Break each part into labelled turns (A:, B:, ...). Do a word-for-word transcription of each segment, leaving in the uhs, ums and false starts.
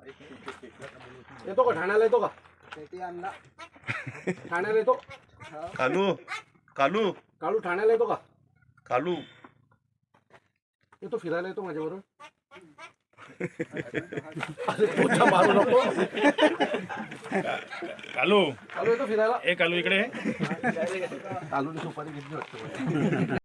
A: येतो का ठाण्याला येतो का ठाण्याला येतो
B: कालू कालू
A: काळू ठाण्याला येतो का
B: कालू
A: येतो फिरायला येतो माझ्याबरोबर अरे पोचा मारू नको
C: कालू
A: काळू येतो फिरायला
C: ए कालू इकडे
A: कालूने सुपारी घेतली वाटतं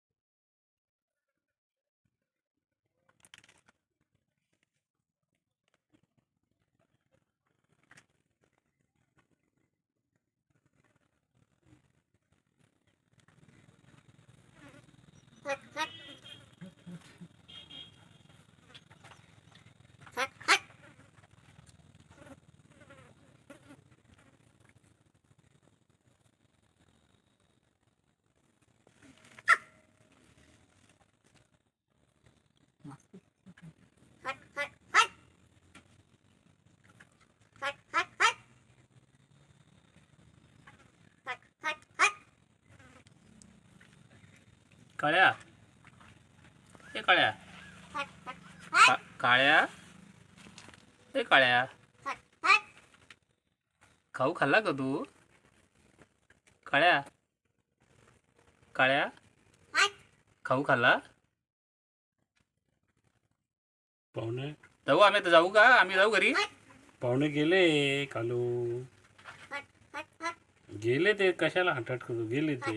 D: काळ्या ए काळ्या का- काळ्या ए काळ्या खाऊ खाल्ला का तू काळ्या काळ्या खाऊ खाल्ला
C: पाहुणे
D: जाऊ आम्ही आता जाऊ का आम्ही जाऊ घरी
C: पाहुणे गेले कालू गेले ते कशाला हटाट करू गेले ते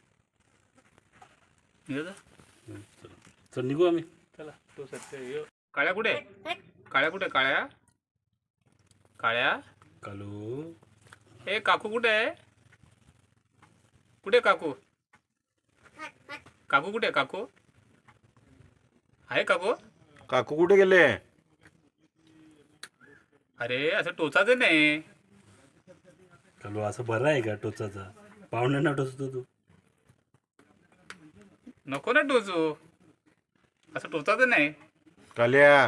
D: निघू जा.
C: चल निघू आम्ही
D: चला तो सत्य ये. काळ्या कुठे काळ्या कुठे काळ्या काळ्या
C: कालू
D: ए काकू कुठे आहे कुठे काकू काकू कुठे काकू आहे काकू
B: काकू कुठे गेले
D: अरे असं टोचायचं नाही
C: कालू असं बरं आहे का टोचाचा पाहुण्यांना टोचतो तू
D: नको ना टोचू असं टोचायचं नाही
B: काल्या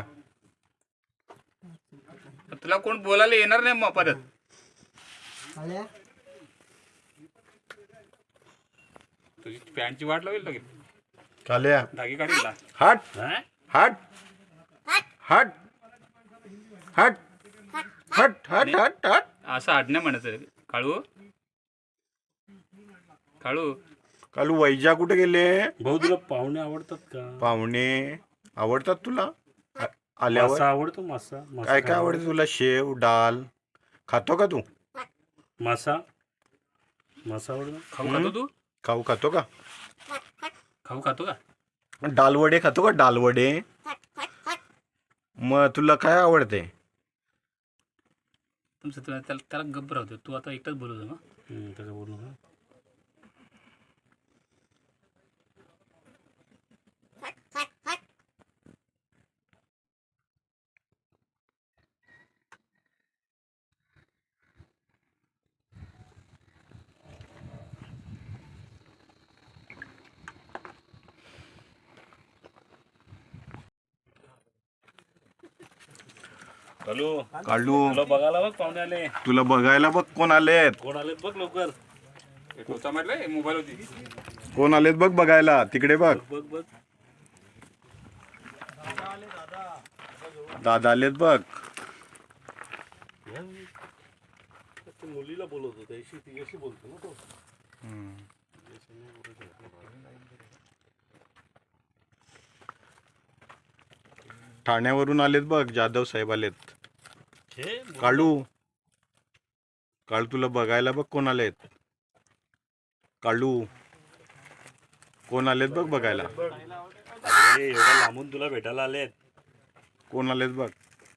D: तुला कोण बोलायला येणार नाही मग परत तुझी पॅन्टची वाट लावेल लगेच
B: काल्या
D: धागे काढील ला.
B: हट
C: हा?
B: हट हट हट हट हट हट हट
D: असं आडण्या म्हणायचं रे. काळू काळू
B: कालू वैजा कुठे गेले
C: भाऊ तुला पाहुणे आवडतात का
B: पाहुणे आवडतात तुला आ- आल्यावर
C: मासा आवडतो मासा मासा
B: काय काय
C: खायला
B: आवडते तुला शेव डाल खातो का तू
C: मासा मासा आवडतो
D: खाऊ खातो तू
B: खाऊ खातो का
D: खाऊ खातो का
B: डालवडे खातो का डालवडे मग तुला काय आवडते
D: तुमचं तुला त्याला त्याला गप्प राहतो तू आता एकटाच बोलू मग
C: हम्म, त्याचं बोलू नका. कालू
B: कालू
C: तुला बघायला बघ पाहुणे आले
B: तुला बघायला बघ कोण आलेत
C: कोण आले बघ लवकर
D: टोचा म्हटलंय मोबाईल होती
B: कोण आलेत बघ बघायला तिकडे बघ
C: बघ बघ
B: दादा आलेत बघ
C: ते मुलीला बोलवतो त्याशी तिच्याशी बोलतो ना तो
B: ठाण्यावरून आलेत बघ जाधव साहेब आलेत
C: हे
B: काळू काळू तुला बघायला बघ कोण आलेत काळू कोण आलेत बघ बघायला
C: अरे एवढ्या लांबून तुला भेटायला आलेत
B: कोण आलेत बघ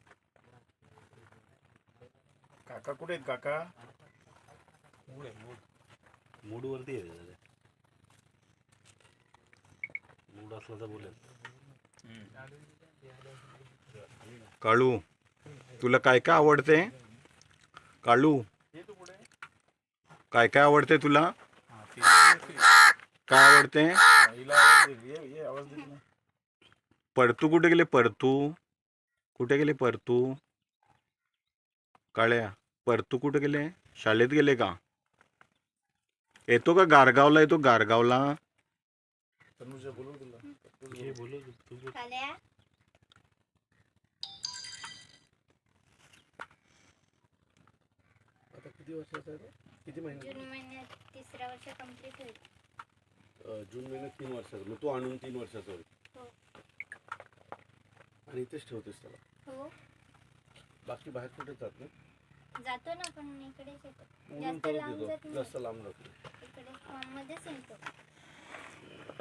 A: काका कुठे आहेत काका
C: मूड वरती आहे रे. मूड असला तर बोलेल
B: काळू तुला काय काय आवडते काळू काय काय आवडते तुला काय आवडते परतू कुठे गेले परतू कुठे गेले परतू काळ्या परतू कुठे गेले शाळेत गेले का येतो का गारगावला येतो गारगावला
C: हे बोलू तू बोल.
E: काल्या
A: किती वर्षाचा आहे तो? किती महिने
E: जून महिन्यात तिसरा वर्ष कंप्लीट होईल.
F: अं, जून महिन्यात तीन वर्षाचा, मग तो आणून तीन वर्षाचा होईल.
E: हो
F: आणि इथेच ठेवतेस त्याला?
E: हो
F: बाकी बाहेर कुठे जात नाही?
E: जातो ना, पण इकडेच येतो.
F: उडून
E: जास्त
F: परत
E: लांब जात
F: येतो,
E: नाही.
F: जास्त लांब जात नाही.
E: इकडे फॉर्म मध्येच येतो.